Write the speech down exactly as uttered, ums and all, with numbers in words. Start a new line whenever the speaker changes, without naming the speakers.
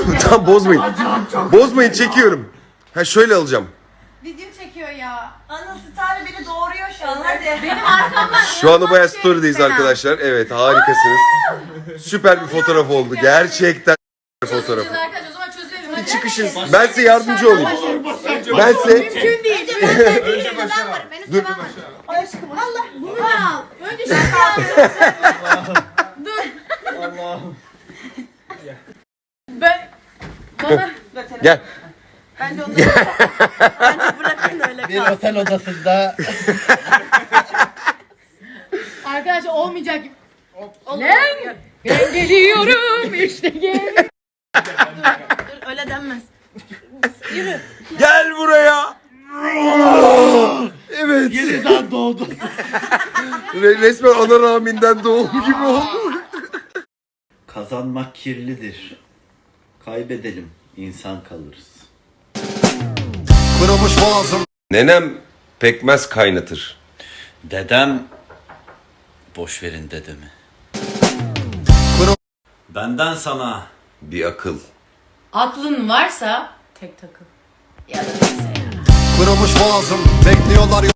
Tamam bozmayın. Bozmayın çekiyorum. Ha şöyle alacağım.
Video çekiyor ya.
Ana Star'ı beni doğuruyor şu an hadi.
Benim arkamdan.
Şu anda bayağı story'deyiz arkadaşlar. Evet harikasınız. Süper bir fotoğraf oldu. Gerçekten fotoğraf.
Arkadaşlar o zaman çözelim. Hadi.
Çıkışın. Ben size yardımcı olayım. Ben size...
Mümkün değil.
Önce başa var.
Dur.
Aşkım Allah bunu da al. Önce şunu al. Dur.
Allah'ım.
Ben bana
Gel.
Bence onu Bence bırakın öyle
Bir
kalsın.
otel odasında
arkadaşlar olmayacak gibi. Lan ben geliyorum işte gel.
Dur öyle denmez. Yürü.
Gel buraya. Evet.
yeniden doğdu.
Re- Resmen ana rahminden doğum gibi oldu.
Kazanmak kirlidir. Kaybedelim, insan kalırız.
Kırılmış boğazım.
Nenem pekmez kaynatır.
Dedem, boş verin dedemi. Benden sana
Bir akıl.
Aklın varsa tek takıl. Ya da neyse ya.
Kırılmış boğazım. Bekliyorlar